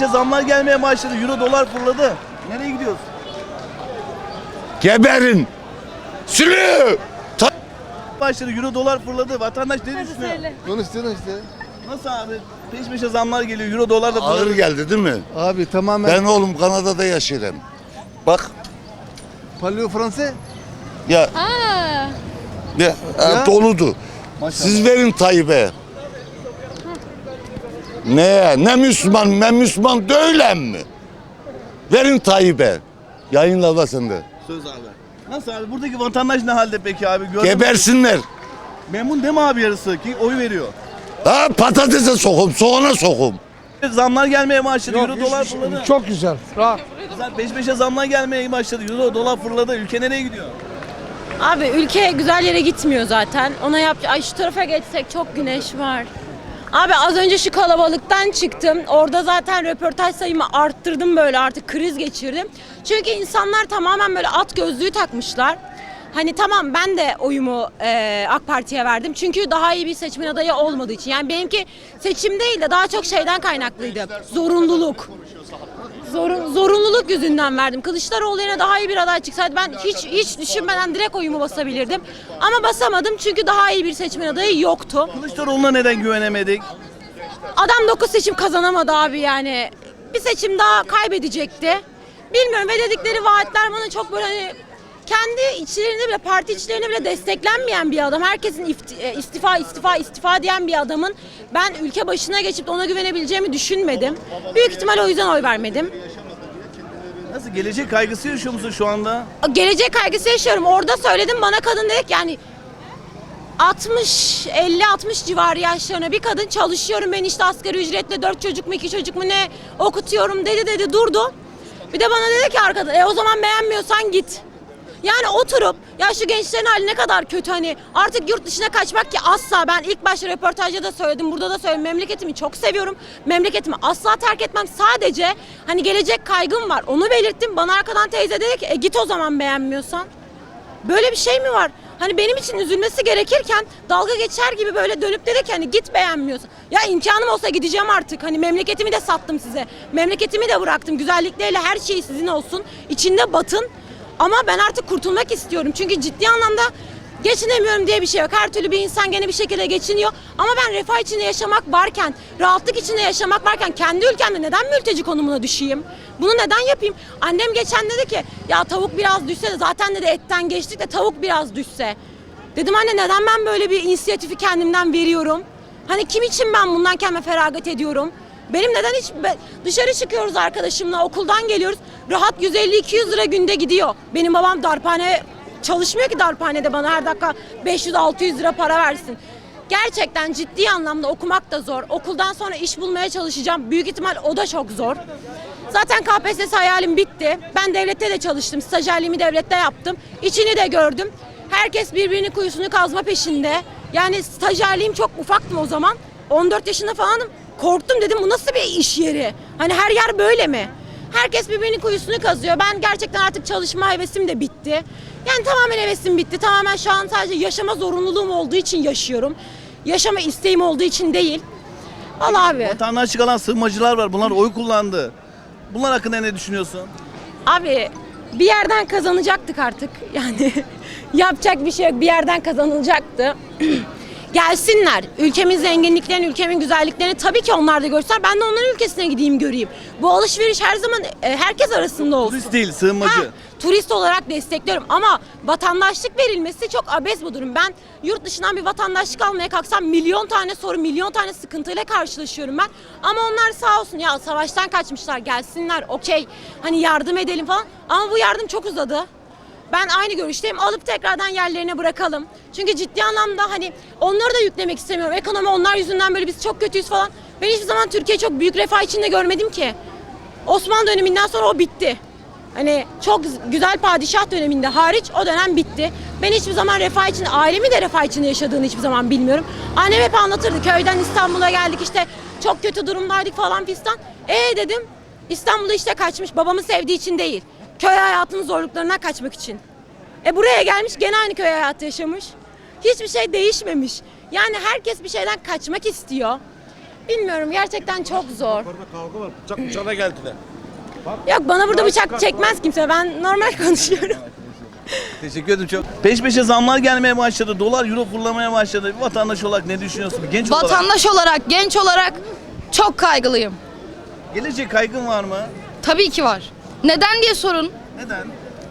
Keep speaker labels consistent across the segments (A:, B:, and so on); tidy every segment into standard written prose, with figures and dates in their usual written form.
A: peşe zamlar gelmeye başladı. Euro dolar fırladı. Nereye gidiyoruz?
B: Geberin. Sülü.
A: Başladı. Euro dolar fırladı. Vatandaş ne düşünüyor?
C: Konuştun işte.
A: Nasıl abi? Peş peşe zamlar geliyor. Euro dolar da
B: Ağır
A: fırladı.
B: geldi değil mi?
C: Abi tamamen.
B: Ben oğlum Kanada'da yaşıyorum. Bak
C: Parlıyor Fransız.
B: ya,
D: Aa,
B: doludu. Siz verin Tayyip'e. Ne Müslüman değilim mi? Verin Tayyip'e. Yayınla da sen de.
A: Söz abi. Nasıl abi? Buradaki vatandaş ne halde peki abi? Gördün mü?
B: Gebersinler.
A: Memnun değil mi abi yarısı ki oy veriyor?
B: Ha patatese sokum, soğana sokum.
A: Zamlar gelmeye başladı. Euro dolar fırladı.
E: Çok güzel. Rahat.
A: Güzel, peş peşe zamlar gelmeye başladı. Euro dolar fırladı. Ülke nereye gidiyor?
D: abi ülke güzel yere gitmiyor zaten. Ona ay şu tarafa geçsek çok güneş var. Abi az önce şu kalabalıktan çıktım. Orada zaten röportaj sayımı arttırdım böyle artık kriz geçirdim. Çünkü insanlar tamamen böyle at gözlüğü takmışlar. Hani tamam ben de oyumu AK Parti'ye verdim. Çünkü daha iyi bir seçmen adayı olmadığı için. Yani benimki seçim değil de daha çok şeyden kaynaklıydı. Zorunluluk. Zorunluluk yüzünden verdim. Kılıçdaroğlu yine daha iyi bir aday çıksaydı ben hiç düşünmeden direkt oyumu basabilirdim. Ama basamadım çünkü daha iyi bir seçmen adayı yoktu.
A: Kılıçdaroğlu'na neden güvenemedik?
D: Adam 9 seçim kazanamadı abi yani. Bir seçim daha kaybedecekti. Bilmiyorum ve dedikleri vaatler bana çok böyle hani kendi içlerinde bile parti içlerinde bile desteklenmeyen bir adam. Herkesin istifa diyen bir adamın ben ülke başına geçip ona güvenebileceğimi düşünmedim. Büyük ihtimal o yüzden oy vermedim.
A: Nasıl gelecek kaygısı yaşıyor musun şu anda?
D: Gelecek kaygısı yaşıyorum. Orada söyledim bana kadın dedi ki yani 50-60 civarı yaşlarına bir kadın çalışıyorum ben işte asgari ücretle 4 çocuk mu 2 çocuk mu ne okutuyorum dedi durdu. Bir de bana dedi ki arkada o zaman beğenmiyorsan git. Yani oturup ya şu gençlerin hali ne kadar kötü hani artık yurt dışına kaçmak ki asla ben ilk başta röportajda da söyledim burada da söyledim memleketimi çok seviyorum. Memleketimi asla terk etmem sadece hani gelecek kaygım var onu belirttim bana arkadan teyze dedi ki git o zaman beğenmiyorsan. Böyle bir şey mi var? Hani benim için üzülmesi gerekirken dalga geçer gibi böyle dönüp dedi ki hani git beğenmiyorsun. Ya imkanım olsa gideceğim artık. Hani memleketimi de sattım size. Memleketimi de bıraktım. Güzellikleriyle her şey sizin olsun. İçinde batın. Ama ben artık kurtulmak istiyorum. Çünkü ciddi anlamda geçinemiyorum diye bir şey yok. Her türlü bir insan gene bir şekilde geçiniyor. Ama ben refah içinde yaşamak varken, rahatlık içinde yaşamak varken kendi ülkemde neden mülteci konumuna düşeyim? Bunu neden yapayım? Annem geçen dedi ki ya tavuk biraz düşse de zaten dedi etten geçtik de tavuk biraz düşse. Dedim anne neden ben böyle bir inisiyatifi kendimden veriyorum? Hani kim için ben bundan kendime feragat ediyorum? Benim neden hiç dışarı çıkıyoruz arkadaşımla okuldan geliyoruz. Rahat 150-200 lira günde gidiyor. Benim babam darphane çalışmıyor ki darphanede bana her dakika 500-600 lira para versin. Gerçekten ciddi anlamda okumak da zor. Okuldan sonra iş bulmaya çalışacağım. Büyük ihtimal o da çok zor. Zaten KPSS hayalim bitti. Ben devlette de çalıştım. Stajyerliğimi devlette yaptım. İçini de gördüm. Herkes birbirinin kuyusunu kazma peşinde. Yani stajyerliğim çok ufaktım o zaman. 14 yaşında falanım. Korktum dedim bu nasıl bir iş yeri? Hani her yer böyle mi? Herkes birbirinin kuyusunu kazıyor. Ben gerçekten artık çalışma hevesim de bitti. Yani tamamen hevesim bitti. Tamamen şu an sadece yaşama zorunluluğum olduğu için yaşıyorum. Yaşama isteğim olduğu için değil. Vallahi abi.
A: Vatandaşlık alan sığınmacılar var. Bunlar oy kullandı. Bunlar hakkında ne düşünüyorsun?
D: Abi bir yerden kazanacaktık artık. Yani yapacak bir şey yok. Bir yerden kazanılacaktı. Gelsinler. Ülkemin zenginliklerini, ülkemin güzelliklerini tabii ki onlar da görsünler. Ben de onların ülkesine gideyim göreyim. Bu alışveriş her zaman herkes arasında olsun.
A: Turist değil, sığınmacı.
D: Turist olarak destekliyorum ama vatandaşlık verilmesi çok abes bu durum. Ben yurt dışından bir vatandaşlık almaya kalksam milyon tane soru, milyon tane sıkıntıyla karşılaşıyorum ben. Ama onlar sağ olsun ya savaştan kaçmışlar gelsinler okey hani yardım edelim falan. Ama bu yardım çok uzadı. Ben aynı görüşteyim. Alıp tekrardan yerlerine bırakalım. Çünkü ciddi anlamda hani onları da yüklemek istemiyorum. Ekonomi onlar yüzünden böyle biz çok kötüyüz falan. Ben hiçbir zaman Türkiye çok büyük refah içinde görmedim ki. Osmanlı döneminden sonra o bitti. Hani çok güzel padişah döneminde hariç o dönem bitti. Ben hiçbir zaman refah içinde, ailemi de refah içinde yaşadığını hiçbir zaman bilmiyorum. Annem hep anlatırdı. Köyden İstanbul'a geldik işte çok kötü durumdaydık falan fistan. Dedim İstanbul'da işte kaçmış babamı sevdiği için değil. Köy hayatının zorluklarından kaçmak için. Buraya gelmiş gene aynı köy hayatı yaşamış. Hiçbir şey değişmemiş. Yani herkes bir şeyden kaçmak istiyor. bilmiyorum, gerçekten çok zor.
B: Yukarıda kavga var. Bıçak bıçağına geldiler.
D: Yok, bana burada bıçak çekmez kimse. Ben normal konuşuyorum.
A: Teşekkür ederim çok. Peş peşe zamlar gelmeye başladı. Dolar, euro fırlamaya başladı. Bir vatandaş olarak ne düşünüyorsun? Bir genç olarak.
E: Vatandaş olarak, genç olarak çok kaygılıyım.
A: Gelecek kaygın var mı?
E: Tabii ki var. Neden diye sorun.
A: Neden?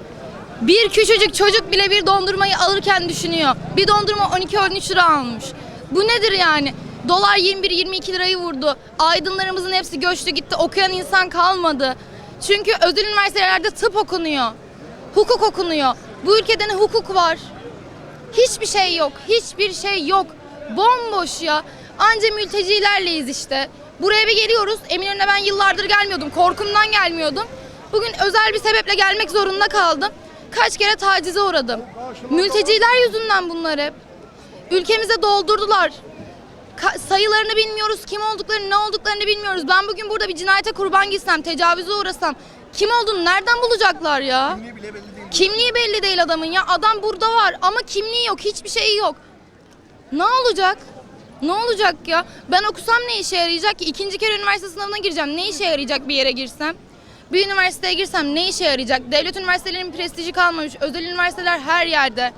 E: Bir küçücük çocuk bile bir dondurmayı alırken düşünüyor. Bir dondurma 12-13 lira almış. Bu nedir yani? Dolar 21-22 lirayı vurdu. Aydınlarımızın hepsi göçtü gitti. Okuyan insan kalmadı. Çünkü özel üniversitelerde tıp okunuyor. Hukuk okunuyor. Bu ülkede ne hukuk var? Hiçbir şey yok. Hiçbir şey yok. Bomboş ya. Anca mültecilerleyiz işte. Buraya bir geliyoruz. Eminönü'ne ben yıllardır gelmiyordum. Korkumdan gelmiyordum. Bugün özel bir sebeple gelmek zorunda kaldım. Kaç kere tacize uğradım. Mülteciler yüzünden bunlar hep. Ülkemize doldurdular. Sayılarını bilmiyoruz, kim olduklarını, ne olduklarını bilmiyoruz. Ben bugün burada bir cinayete kurban gitsem, tecavüze uğrasam kim olduğunu nereden bulacaklar ya? Kimliği belli değil adamın ya. Adam burada var ama kimliği yok, hiçbir şeyi yok. Ne olacak? Ne olacak ya? Ben okusam ne işe yarayacak ki? İkinci kere üniversite sınavına gireceğim. Ne işe yarayacak bir yere girsem? Bir üniversiteye girsem ne işe yarayacak? Devlet üniversitelerinin prestiji kalmamış. Özel üniversiteler her yerde.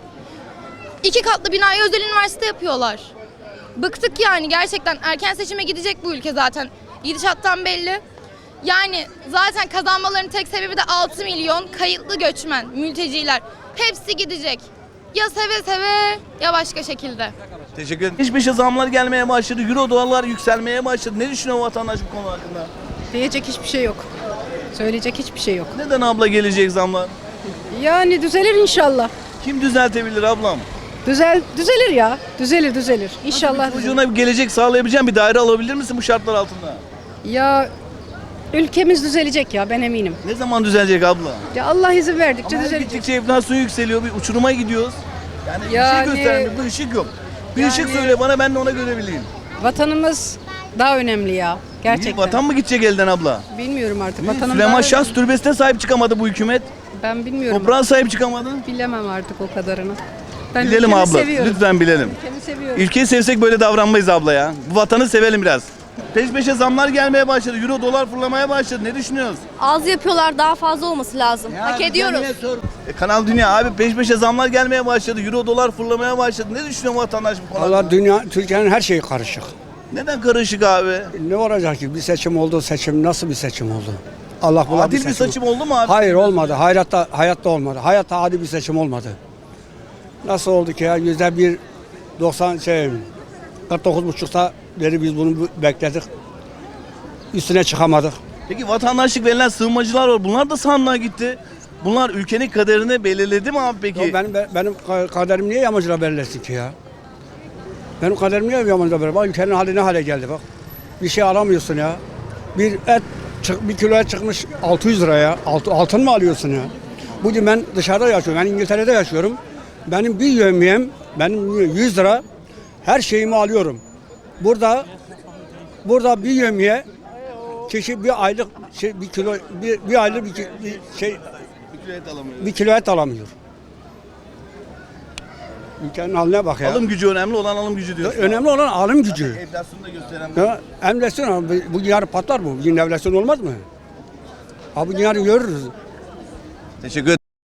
E: 2 katlı binayı özel üniversite yapıyorlar. Bıktık yani gerçekten. Erken seçime gidecek bu ülke zaten. Gidişattan belli. Yani zaten kazanmaların tek sebebi de 6 milyon kayıtlı göçmen, mülteciler. Hepsi gidecek. Ya seve seve ya başka şekilde.
A: Teşekkür ederim. Peş peşe zamlar gelmeye başladı. Euro, dolar yükselmeye başladı. Ne düşünüyor vatandaş bu konu hakkında?
F: Diyecek hiçbir şey yok. Söyleyecek hiçbir şey yok.
A: Neden abla gelecek zamlar?
F: Yani düzelir inşallah.
A: Kim düzeltebilir ablam?
F: Düzelir ya. Düzelir. İnşallah.
A: Çocuğuna bir gelecek sağlayabileceğin bir daire alabilir misin bu şartlar altında?
F: Ya ülkemiz düzelecek ya, ben eminim.
A: Ne zaman düzelecek abla?
F: Ya Allah izin verdikçe
A: Ama her
F: düzelecek.
A: gittikçe enflasyon yükseliyor. Bir uçuruma gidiyoruz. Yani,
F: Yani-
A: bir şey göstermiyor. Bu ışık yok. Bir ışık söyle bana, ben de ona göre bileyim.
F: Vatanımız daha önemli ya. Gerçekten.
A: Vatan mı gidecek elden abla?
F: Bilmiyorum artık. Vatanım
A: Süleyman
F: daha
A: Şahs türbesine sahip çıkamadı bu hükümet.
F: Ben bilmiyorum.
A: Toprağa sahip çıkamadı.
F: Bilemem artık o kadarını. Ben
A: Bilelim
F: ülkemi
A: abla.
F: seviyorum.
A: Lütfen bilelim.
F: Ülkemi seviyorum.
A: Ülkeyi sevsek böyle davranmayız abla ya. Bu vatanı sevelim biraz. Peş peşe zamlar gelmeye başladı. Euro, dolar fırlamaya başladı. Ne düşünüyoruz?
G: Az yapıyorlar, daha fazla olması lazım. Hak ediyoruz.
A: Kanal Dünya abi, peş peşe zamlar gelmeye başladı. Euro, dolar fırlamaya başladı. Ne düşünüyor vatandaş bu konuda?
H: Valla dünya, Türkiye'nin her şeyi karışık.
A: Neden karışık abi?
H: Ne olacak ki? Bir seçim oldu, seçim nasıl bir seçim oldu? Allah bula
A: Adil bir seçim oldu mu abi?
H: Hayır olmadı. Hayatta olmadı. Hayatta adil bir seçim olmadı. Nasıl oldu ki ya? %49,5'ta beri biz bunu bekledik. Üstüne çıkamadık.
A: Peki vatandaşlık verilen sığınmacılar var. Bunlar da sandığa gitti. Bunlar ülkenin kaderini belirledi mi abi peki?
H: Ya benim kaderim niye yamacıla belirlesin ki ya? Benim kaderim niye yamacıla belirlesin? Bak ülkenin hali ne hale geldi bak. Bir şey alamıyorsun ya. Bir kilo et çıkmış 600 liraya. Altın mı alıyorsun ya? Bugün ben dışarıda yaşıyorum. Ben İngiltere'de yaşıyorum. Benim bir yevmiyem, benim 100 lira. Her şeyimi alıyorum. Burada bir yevmiye kişi bir aylık bir kilo bir aylık bir kilo et alamıyor. Ülkenin haline bak ya.
A: Alım gücü önemli olan alım gücü diyorsun.
H: Önemli olan alım gücü.
A: Enflasyonu da gösteren.
H: Ya, enflasyon bu yarın patlar mı? Bugün enflasyon olmaz mı? Ha bu yarın görürüz.
A: Teşekkür ederim.